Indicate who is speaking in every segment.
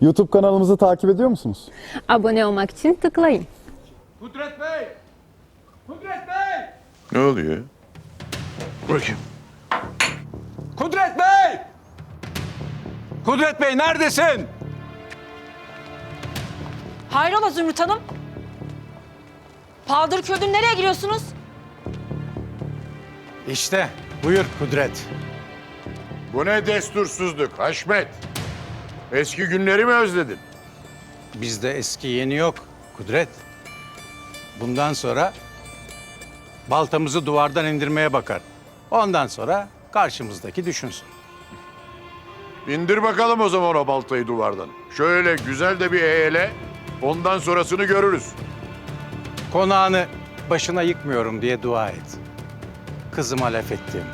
Speaker 1: YouTube kanalımızı takip ediyor musunuz?
Speaker 2: Abone olmak için tıklayın.
Speaker 3: Kudret Bey! Kudret Bey!
Speaker 4: Ne oluyor? Bırakayım.
Speaker 3: Kudret Bey! Kudret Bey neredesin?
Speaker 5: Hayrola Zümrüt Hanım? Paldır küldür nereye giriyorsunuz?
Speaker 3: İşte buyur Kudret.
Speaker 4: Bu ne destursuzluk Haşmet? Eski günleri mi özledin?
Speaker 3: Bizde eski yeni yok Kudret. Bundan sonra baltamızı duvardan indirmeye bakar. Ondan sonra karşımızdaki düşünsün.
Speaker 4: İndir bakalım o zaman o baltayı duvardan. Şöyle güzel de bir eğele, ondan sonrasını görürüz.
Speaker 3: Konağını başına yıkmıyorum diye dua et. Kızıma laf ettim.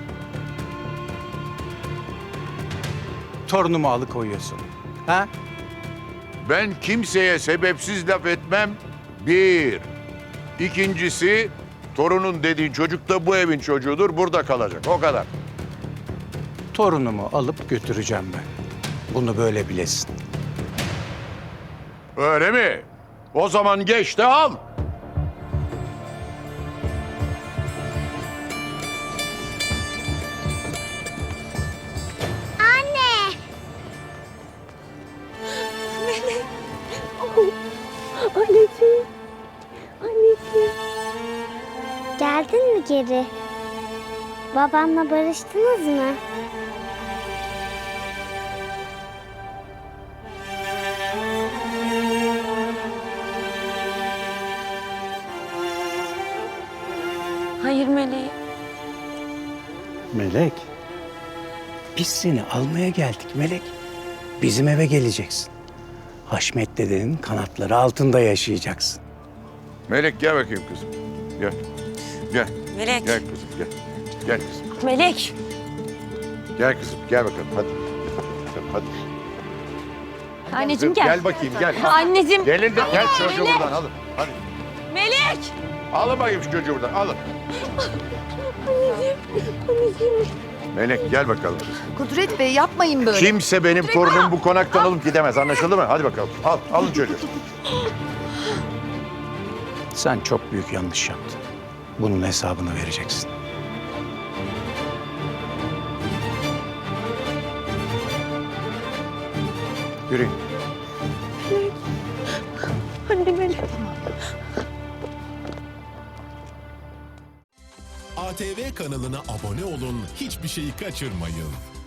Speaker 3: Torunumu alıkoyuyorsun. Ha?
Speaker 4: Ben kimseye sebepsiz laf etmem. Bir. İkincisi, torunun dediğin çocuk da bu evin çocuğudur, burada kalacak. O kadar.
Speaker 3: Torunumu alıp götüreceğim ben. Bunu böyle bilesin.
Speaker 4: Öyle mi? O zaman geç de al.
Speaker 2: Anneciğim. Anneciğim.
Speaker 6: Geldin mi geri? Babamla barıştınız mı?
Speaker 5: Hayır Meleğim.
Speaker 3: Melek, biz seni almaya geldik Melek. Bizim eve geleceksin. Haşmet dedenin kanatları altında yaşayacaksın.
Speaker 4: Melek gel bakayım kızım. Gel. Gel.
Speaker 5: Melek.
Speaker 4: Gel kızım gel. Gel kızım.
Speaker 5: Melek.
Speaker 4: Gel kızım. Gel bakalım hadi. Hadi.
Speaker 5: Anneciğim gel.
Speaker 4: Gel bakayım gel.
Speaker 5: Anneciğim.
Speaker 4: Gelin de gel çocuğu buradan alın. Hadi.
Speaker 5: Melek.
Speaker 4: Alın bakayım şu çocuğu buradan alın. Melek gel bakalım kızım.
Speaker 7: Kudret Bey yapmayın böyle.
Speaker 4: Kimse benim torunum bu konaktan alıp gidemez. Anlaşıldı mı? Hadi bakalım. Alın çocuğu.
Speaker 3: Sen çok büyük yanlış yaptın. Bunun hesabını vereceksin. Yürüyün.
Speaker 2: Anne Melek.
Speaker 8: ATV kanalına abone olun, hiçbir şeyi kaçırmayın.